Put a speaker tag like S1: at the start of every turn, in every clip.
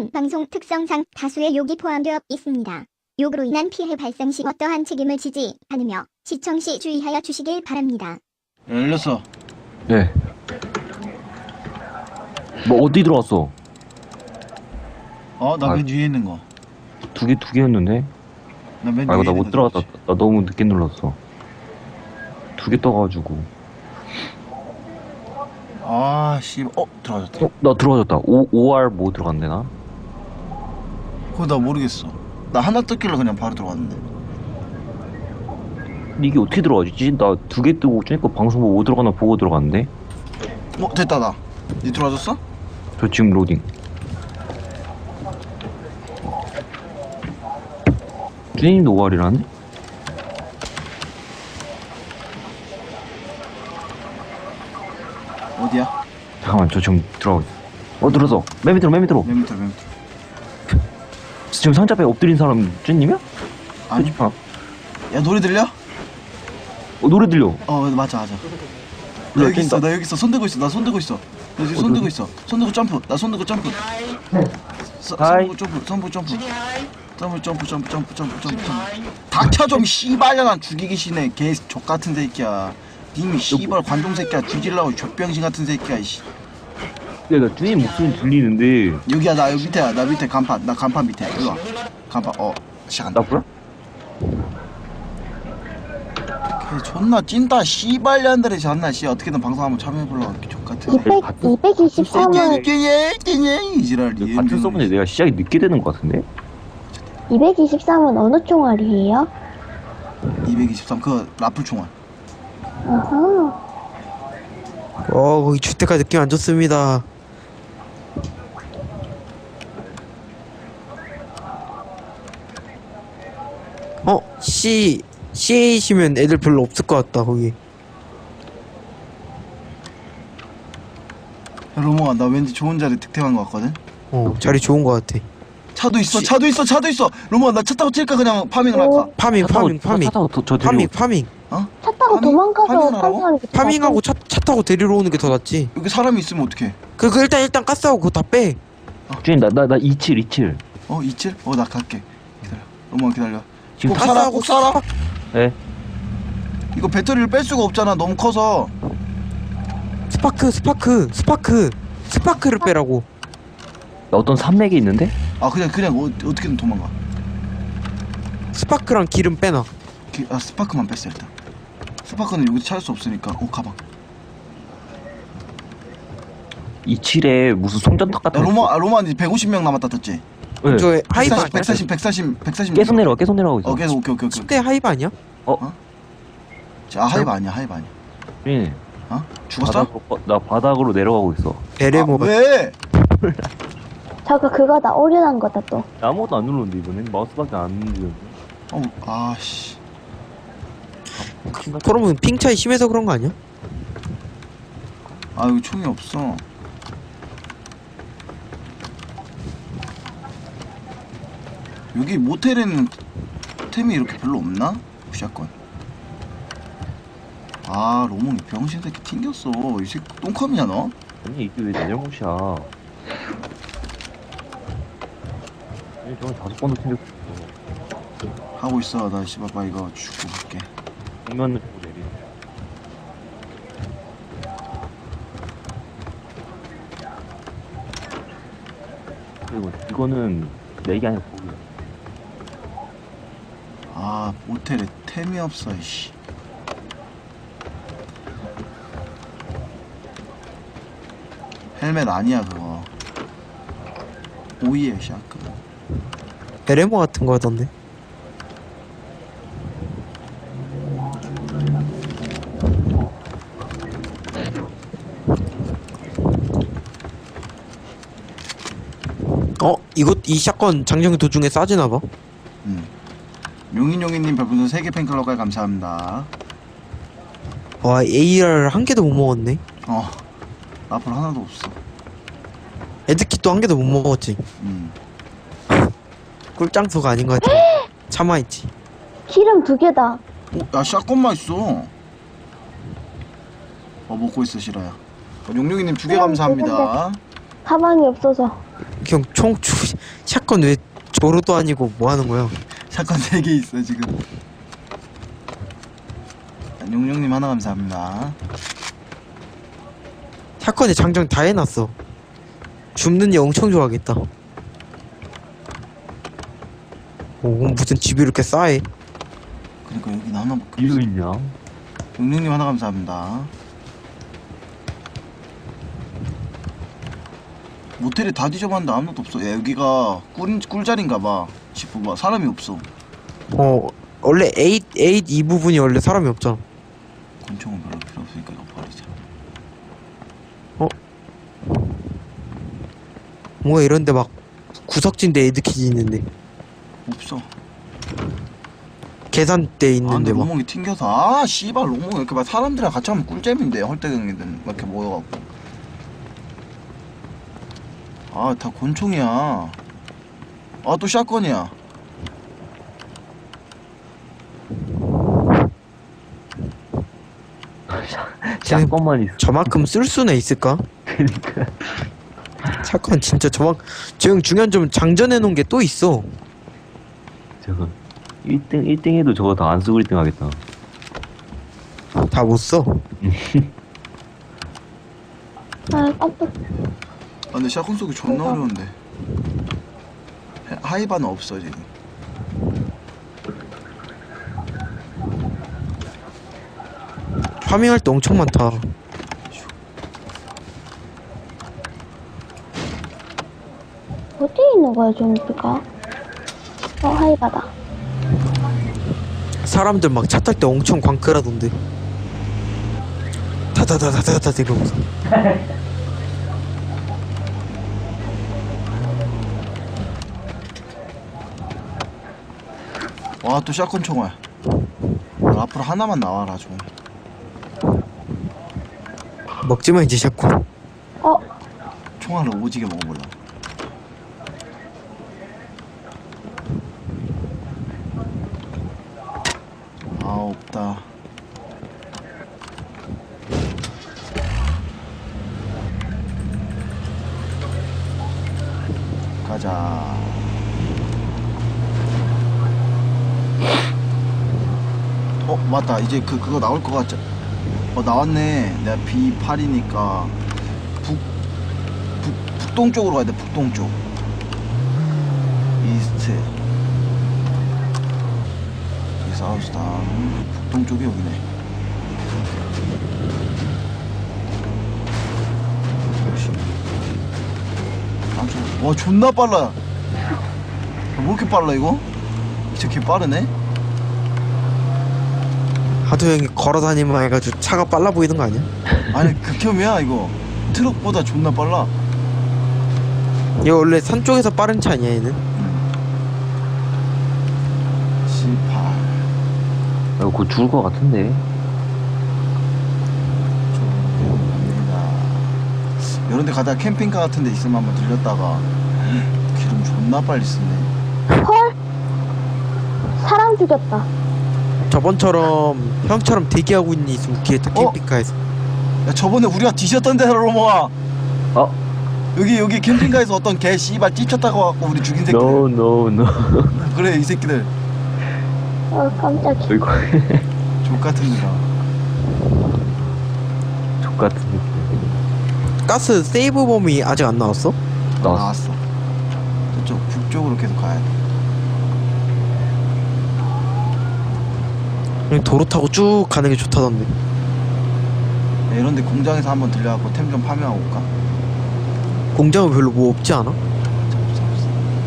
S1: 본 방송 특성상 다수의 욕이 포함되어 있습니다. 욕으로 인한 피해 발생 시 어떠한 책임을 지지 않으며 시청 시 주의하여 주시길 바랍니다.
S2: 열렸어.
S3: 네. 뭐 어디 들어왔어?
S2: 나 맨 위에 있는 거.
S3: 두 개였는데?
S2: 나 맨
S3: 아
S2: 위에
S3: 이거 나
S2: 있는
S3: 못
S2: 거
S3: 들어갔다.
S2: 들어왔지.
S3: 나 너무 늦게 눌렀어. 두 개 떠가지고.
S2: 아, 씨. 들어가졌다.
S3: 나 들어가졌다. OR 뭐 들어갔네 나?
S2: 그거 나 모르겠어. 나 하나 떴길래 그냥 바로 들어갔는데.
S3: 근데 이게 어떻게 들어가지? 나 두 개 뜨고 쟤니까 방송 뭐 들어가나 보고 들어갔는데?
S2: 됐다, 나. 니 들어와줬어?
S3: 저 지금 로딩. 쭈님도 OR이라네?
S2: 어디야?
S3: 잠깐만 저 지금 들어가고 있어. 들어서 맨 밑으로
S2: 맨 밑으로.
S3: 지금 상자에 엎드린 사람 쭈님이야?
S2: 아니.
S3: 표지판.
S2: 야, 노래 들려?
S3: 노래 들려.
S2: 맞아. 나
S3: 그래,
S2: 여기 있어,
S3: 뛴다.
S2: 나 여기 있어. 손 들고 있어, 나 손 들고 있어. 나 지금 손 들고 있어. 손 들고 점프. 나 손 들고 점프.
S3: 하이.
S2: 선부 점프. 점프. 닥쳐 좀 씨발년아 죽이기 싫네. 개 족같은 새끼야. 님이 씨발 관종 새끼야. 죽이려고 족병신 같은 새끼야. 이씨.
S3: 야, 나 쭈님 목소리 들리는데.
S2: 여기야, 나 여기 밑에야. 나 밑에 간판. 나 간판 밑에. 일로 와. 간판. 시작한다.
S3: 나 뭐야?
S2: 걔 존나 찐따 씨발년들이 존나 씨 어떻게든 방송 한번 참여해보려고 이렇게 족같은 새끼.
S4: 223은
S2: 이 지랄이.
S3: 같은 서버인데 내가 시작이 늦게 되는 것 같은데?
S4: 223은 어느 총알이에요?
S2: 223 그거 라플 총알.
S4: 어허.
S5: 거기 주택가 느낌 안 좋습니다. CA시면 애들 별로 없을 것 같다, 거기.
S2: 로몽아, 나 왠지 좋은 자리 득템한 것 같거든.
S5: 자리 좋은 것 같아.
S2: 차도 있어. 로몽아, 나 차 타고 찔까 그냥 파밍을 할까?
S5: 파밍.
S3: 차 타고 저 데리고.
S5: 파밍.
S4: 차 타고 도망가서
S2: 파밍을 하라고?
S4: 판사하는 게
S5: 파밍하고 차 타고 데리러 오는 게 더 낫지.
S2: 여기 사람이 있으면 어떡해?
S5: 그거 일단 가스하고 그거 다 빼.
S3: 쭈님 나 27.
S2: 이칠? 나 갈게. 기다려. 로몽아 기다려.
S3: 지금
S2: 꼭 살아, 꼭 살아.
S3: 네.
S2: 이거 배터리를 뺄 수가 없잖아. 너무 커서.
S5: 스파크를 빼라고.
S3: 나 어떤 산맥이 있는데?
S2: 그냥 어떻게든 도망가.
S5: 스파크랑 기름 빼놔.
S2: 스파크만 뺐어 일단. 스파크는 여기서 찾을 수 없으니까. 가방.
S3: 27에 무슨 송전탑 같은
S2: 야,
S3: 거.
S2: 로마 이제 150명 남았다 떴지?
S3: 네.
S5: 저 하이브 아니야?
S2: 140.
S3: 계속 내려가고 있어.
S2: 계속 오케이.
S5: 10대 하이브 아니야?
S2: 하이브 아니야.
S3: 쭈님
S2: 죽었어?
S3: 나 바닥으로 내려가고 있어.
S5: 베레모가.
S2: 왜?
S4: 저거 그거다 오류난 거다 또.
S3: 아무것도 안 눌렀는데 이번엔 마우스밖에 안 눌렀는데.
S2: 씨.
S5: 그러면 핑 차이 심해서 그런 거 아니야?
S2: 여기 총이 없어. 여기 모텔에는 템이 이렇게 별로 없나? 샷건. 로몽이 병신 새끼 튕겼어. 이 새끼 똥컴이냐 너?
S3: 아니 이게 왜 내 잘못이야? 아니 저는 5번도 튕겼어.
S2: 하고 있어. 나 씨발 이거 죽고 갈게.
S3: 정면을 보고 내리. 그리고 이거는 내게 아니라 보기야.
S2: 모텔에 템이 없어. 이씨. 헬멧 아니야 그거. 오이에 샷건.
S5: 베레모 같은 거 하던데. 이 샷건 장정 도중에 싸지나봐.
S2: 용인용인님 별풍선 3개 팬클럽까지 감사합니다.
S5: 와, AR 한 개도 못 먹었네.
S2: 라플 하나도 없어.
S5: 에드킷도 한 개도 못 먹었지. 꿀장수가 아닌 것 같아. 참아있지.
S4: 기름 2개다.
S2: 야, 샷건만 있어. 먹고 있어, 실화야. 용용이님 2개 감사합니다.
S4: 가방이 없어서.
S5: 형 샷건 왜 조로도 아니고 뭐 하는 거야?
S2: 샷건 3개 있어 지금. 용용님 하나 감사합니다.
S5: 샷건에 장전 다 해놨어. 줍는 애 엄청 좋아하겠다. 오, 무슨 집이 이렇게 싸해?
S2: 그러니까 여기는 하나밖에
S3: 이거
S2: 없어.
S3: 있냐?
S2: 용용님 하나 감사합니다. 모텔에 다 뒤져봤는데 아무것도 없어. 야, 여기가 꿀자리인가봐. 집 봐봐, 사람이 없어.
S5: 원래 8 이 부분이 원래 사람이 없잖아.
S2: 권총은 별로 필요 없으니까 이거 버리자.
S5: 뭔가 이런데 막 구석진데 에드키지 있는데
S2: 없어.
S5: 계산대
S2: 아
S5: 있는데
S2: 근데
S5: 막
S2: 로몽이 튕겨서 아 씨발 로몽 이렇게 막 사람들이랑 같이 하면 꿀잼인데 헐떡이든 막 이렇게 모여갖고 아 다 권총이야. 아 또 샷건이야.
S3: 샷건만 있어.
S5: 저만큼 쓸 수는 있을까?
S3: 그니까.
S5: 샷건 진짜 저 중요한 점 장전해 놓은 게 또 있어.
S3: 저거 1등 해도 저거 다 안 쓰고 1등 하겠다.
S5: 다 못 써.
S4: 아, 깜빡.
S2: 아 근데 샷건 쏘기 존나 어려운데. 하이바는 없어 지금.
S5: 파밍할 때 엄청 많다.
S4: 어디 있는 거야, 좀비가? 하이바다.
S5: 사람들 막 차 탈 때 엄청 광클하던데. 다다다다다다 이러면서.
S2: 와 또 샷건 총알. 앞으로 하나만 나와라 좀.
S5: 먹지마 이제 샷건.
S2: 총알을 오지게 먹어볼라. 아 없다. 가자. 맞다. 이제 그거 나올 것 같지? 나왔네. 내가 B8이니까 북동쪽으로 가야 돼. 북동쪽. 이스트. 여기 사우스다. 북동쪽이 여기네. 와 존나 빨라. 뭐 이렇게 빨라 이거? 진짜 개 빠르네?
S5: 하도 형이 걸어다니면 해가지고 차가 빨라 보이는 거 아니야?
S2: 아니 극혐이야 이거. 트럭보다 존나 빨라.
S5: 얘 원래 산 쪽에서 빠른 차 아니야 얘는?
S2: 18.
S3: 곧 죽을 것 같은데.
S2: 이런 데 가다가 캠핑카 같은 데 있으면 한번 들렸다가 기름 존나 빨리 쓰네.
S4: 헐? 사람 죽였다.
S5: 저번처럼 형처럼 대기하고 있는 이 있으면 웃기겠다. 캠핑카에서.
S2: 야 저번에 우리가 뒤졌던 데로 로모아.
S3: 어?
S2: 여기 캠핑카에서 어떤 개 씨발 찝혔다고 갖고 우리 죽인 새끼들.
S3: No.
S2: 그래 이 새끼들
S4: 깜짝이야.
S3: 어이구.
S2: 족같은 데다.
S3: 족같은 느낌.
S5: 가스 세이브 범위 아직 안 나왔어?
S2: 나왔어. 저쪽 북쪽으로 계속 가야 돼.
S5: 그냥 도로 타고 쭉 가는 게 좋다던데.
S2: 야, 이런 데 공장에서 한번 들려갖고 템 좀 파밍하고 올까?
S5: 공장은 별로 뭐 없지 않아?
S2: 없어.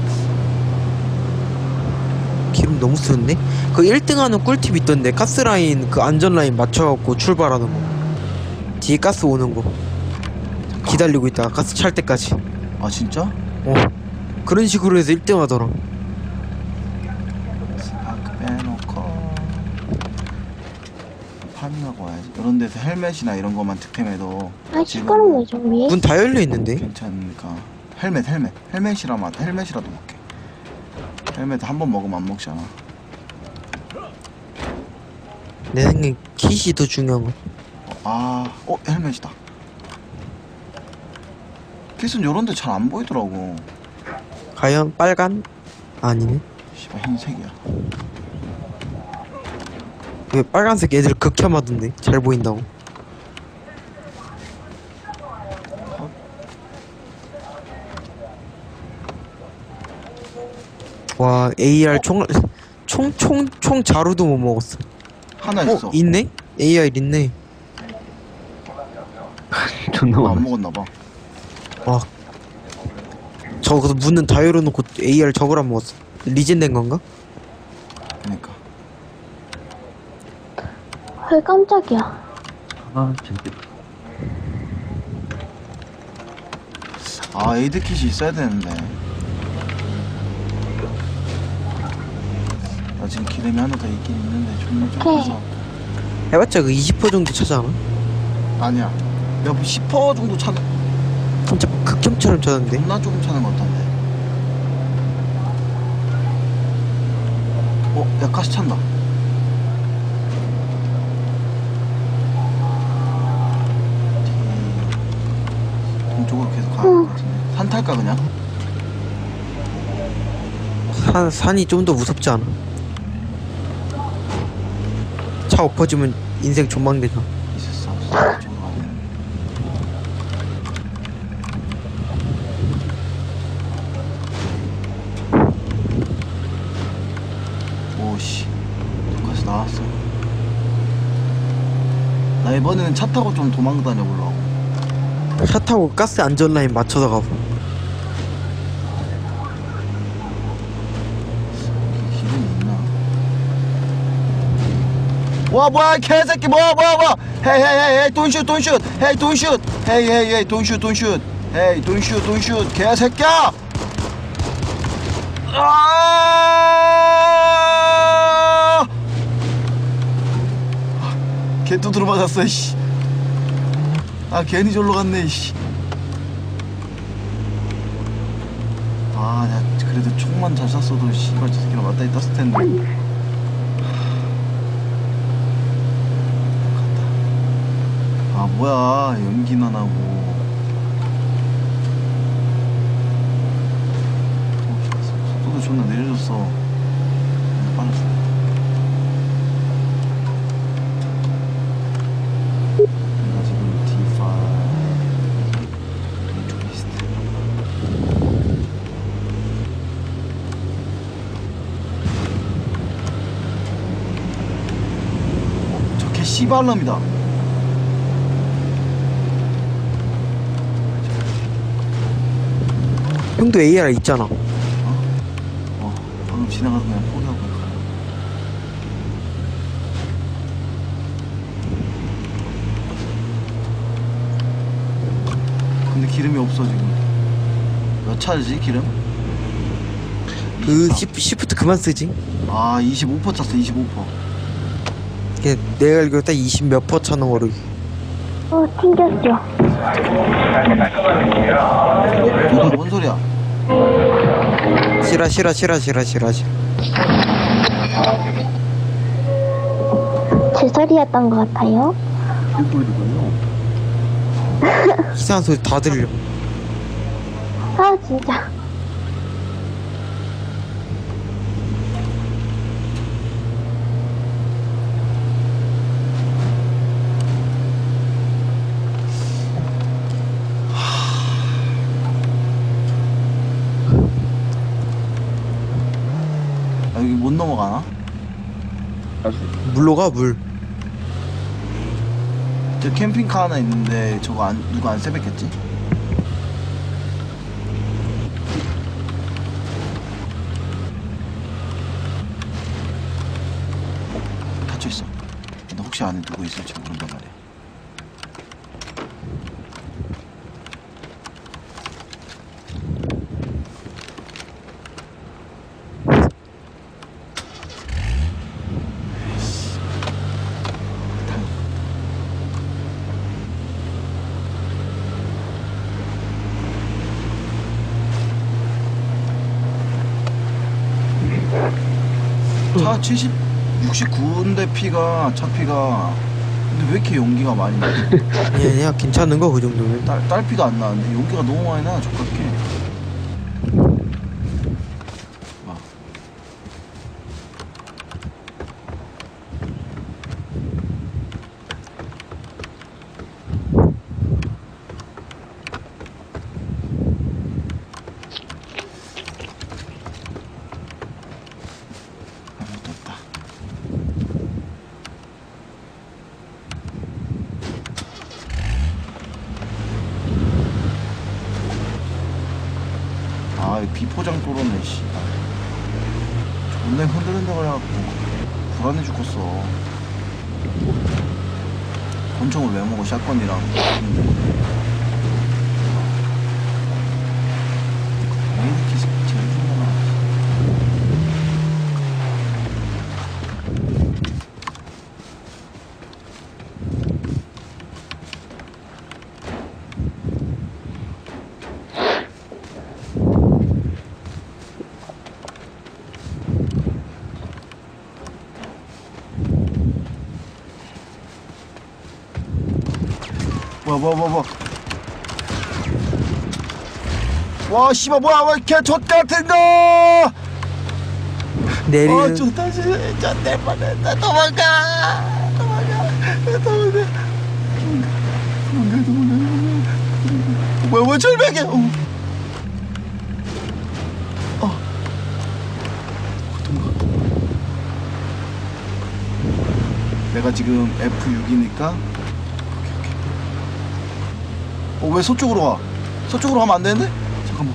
S5: 기름 너무 쓰는데? 그 1등 하는 꿀팁 있던데. 가스라인 그 안전라인 맞춰갖고 출발하는 거. 뒤에 가스 오는 거 기다리고 있다가 가스 찰 때까지.
S2: 아 진짜?
S5: 그런 식으로 해서 1등 하더라.
S2: 스파크 빼놓고 파밍하고 와야지. 이런 데서 헬멧이나 이런 것만 득템해도
S4: 아, 시끄럽네, 좀비.
S5: 문 다 열려 있는데.
S2: 괜찮으니까. 헬멧이라도 먹게. 헬멧 한 번 먹으면 안 먹잖아.
S5: 내 생각엔 킷이 더 중요한 거.
S2: 헬멧이다. 킷은 요런데 잘 안 보이더라고.
S5: 과연 빨간? 아니네.
S2: 씨발 흰색이야.
S5: 왜 빨간색 애들 극혐하던데 잘 보인다고. 와 AR 총 자루도 못 먹었어.
S2: 하나 있어.
S5: 있네? AR 있네.
S3: 존나
S2: 안
S3: 많아.
S2: 먹었나봐.
S5: 와 저거 문은 다 열어놓고 AR 저걸 안 먹었어. 리젠된 건가?
S2: 그니까.
S4: 헐, 깜짝이야.
S3: 아 재밌겠다.
S2: 아 에이드킷이 있어야 되는데. 나 지금 기름이 하나 더 있긴 있는데 존나 좀
S4: 오케이.
S2: 커서.
S5: 해봤자 그 20% 정도 차잖아.
S2: 아니야. 내가 뭐 10% 정도 차는.
S5: 진짜 극혐처럼 차던데.
S2: 존나 조금 차는 것 같던데. 야 가시 찬다. 동쪽으로 계속 가야 될 것 같은데. 산 탈까 그냥?
S5: 산이 좀 더 무섭지 않아? 차 엎어지면 인생 존망되잖아.
S2: 있었어. 이쪽으로 가야 되는데. 오씨. 여기까지 나왔어. 나 이번에는 차 타고 좀 도망 다녀보려고.
S5: 차 타고 가스 안전 라인 맞춰서 가고.
S2: 여기 기름이 있나? 와 뭐야 이 개새끼 뭐야 헤이 헤이 헤이 don't shoot don't shoot 헤이 don't shoot 헤이 헤이 헤이 don't shoot don't shoot 헤이 don't shoot don't shoot 개새끼야. 개 두드러 맞았어 씨. 아 괜히 절로 갔네 씨. 아 내가 그래도 총만 잘 쐈어도 씨발 저 새끼랑 맞다이 떴을 텐데. 아 뭐야 연기나 나고. 속도 존나 내려줬어. 빨랐어. 내가 지금 D5 이쪽에 있을 때. 저 개 씨발놈이다.
S5: 형도 AR 있잖아.
S2: 방금 지나가서 그냥 포기하고 가. 근데 기름이 없어 지금. 몇 차지 기름?
S5: 그
S2: 24.
S5: 시프트 그만 쓰지.
S2: 아 25% 찼어 25%.
S5: 걔 내가 알기로 딱 20 몇 퍼 차는 거로.
S4: 튕겼어.
S2: 뭔 소리야?
S5: 싫어.
S4: 제 소리였던 것 같아요.
S5: 이상한 소리 다 들려.
S4: 아, 진짜.
S2: 아, 여기 못 넘어가나?
S5: 물로 가 물.
S2: 저 캠핑카 하나 있는데 저거 누가 안 세뱃겠지? 닫혀있어. 근데 혹시 안에 누구 있을지 모른단 말이야. 차 69인데 차 피가 근데 왜 이렇게 연기가 많이 나?
S5: 아니야 괜찮은 거 그 정도면.
S2: 딸피도 안 나는데 연기가 너무 많이 나. 족같게. 와. 아무것도 없다. 아, 이 비포장 뚫었네, 씨. 존나 흔들린다 그래갖고 불안해 죽겠어. 권총을 왜 먹어, 샷건이랑. 에이, 기스 제일 중요하나. 뭐야. 와, 씨발, 뭐야, 왜 이렇게 젖같은 거!
S5: 내리는.
S2: 좋다, 진짜, 내 뻔했다. 도망가! 뭐야, 절벽이야! 내가 지금 F6이니까 왜 서쪽으로 가? 서쪽으로 가면 안 되는데? 잠깐만.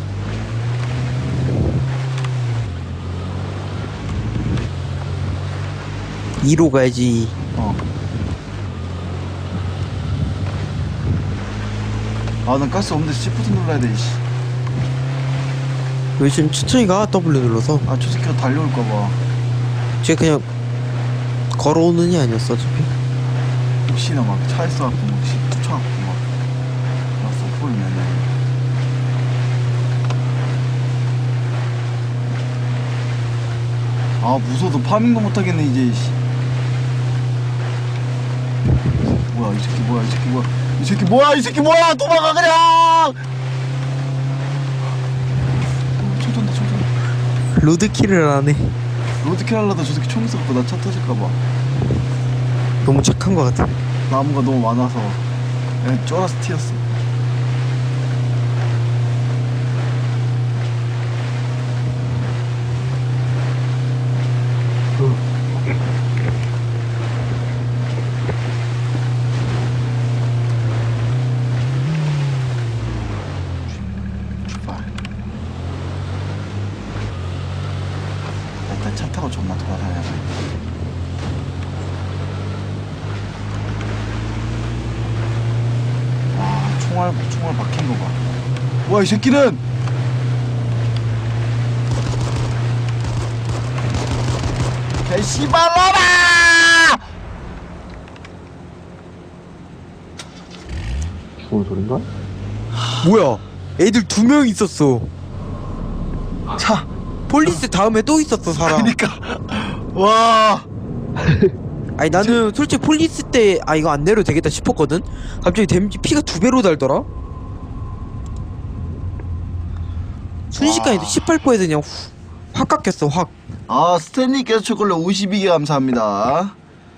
S5: 이로 가야지.
S2: 아, 난 가스 없는데 시프트 눌러야 돼, 씨.
S5: 왜 지금 천천히 가 W 눌러서.
S2: 아, 저 새끼가 달려올까봐.
S5: 쟤 그냥 걸어오는 애 아니었어 어차피.
S2: 혹시나 막 차에서 갖고 혹시 쫓아갖고 막 왔어, 폴면은. 아, 무서워서 파밍도 못하겠네, 이제, 씨. 뭐야, 이 새끼 뭐야, 이 새끼 뭐야, 도망가, 그냥! 총 쏜다.
S5: 로드킬을 안 해.
S2: 로드킬 하려다 저 새끼 총 쏘고 나 차 터질까봐.
S5: 너무 착한 거 같아.
S2: 나무가 너무 많아서 그냥 쫄아서 튀었어. 출발. 일단 차 타고 존나 돌아다녀야 돼. 총알 박힌 거 봐. 와, 이 새끼는! 개 씨발놈아!
S3: 무슨 소린가?
S5: 뭐야? 애들 2명 있었어.
S2: 차.
S5: 폴리스 다음에 또 있었어 사람.
S2: 그니까. 와.
S5: 아니 나는 솔직히 폴리스 때 아 이거 안 내려도 되겠다 싶었거든. 갑자기 데미지 피가 2배로 달더라. 순식간에
S2: 와.
S5: 18%에서 그냥 확 깎였어 확.
S2: 아, 스탠리께서 초콜릿 52개 감사합니다.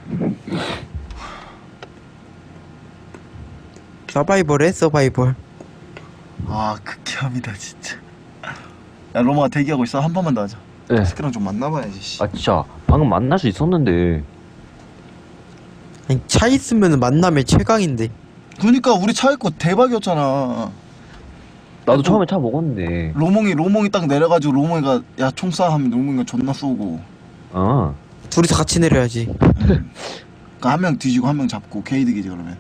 S5: 서바이벌해 서바이벌.
S2: 아, 극혐이다 진짜. 야, 로마가 대기하고 있어. 한 번만 더 하자.
S3: 네.
S2: 스크랑 좀 만나봐야지, 씨.
S3: 아 진짜 방금 만날 수 있었는데.
S5: 아니 차 있으면 만남의 최강인데.
S2: 그니까 우리 차 있고 대박이었잖아.
S3: 나도
S2: 또-
S3: 처음에 차 먹었는데.
S2: 로몽이 딱 내려가지고 로몽이가 야 총 쏴 하면 로몽이가 존나 쏘고.
S3: 어.
S5: 둘이서 같이 내려야지.
S2: 그러니까 한 명 뒤지고 한 명 잡고 게이득이지 그러면.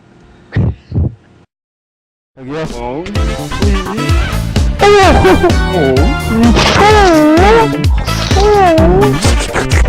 S3: 여기요.
S4: 어?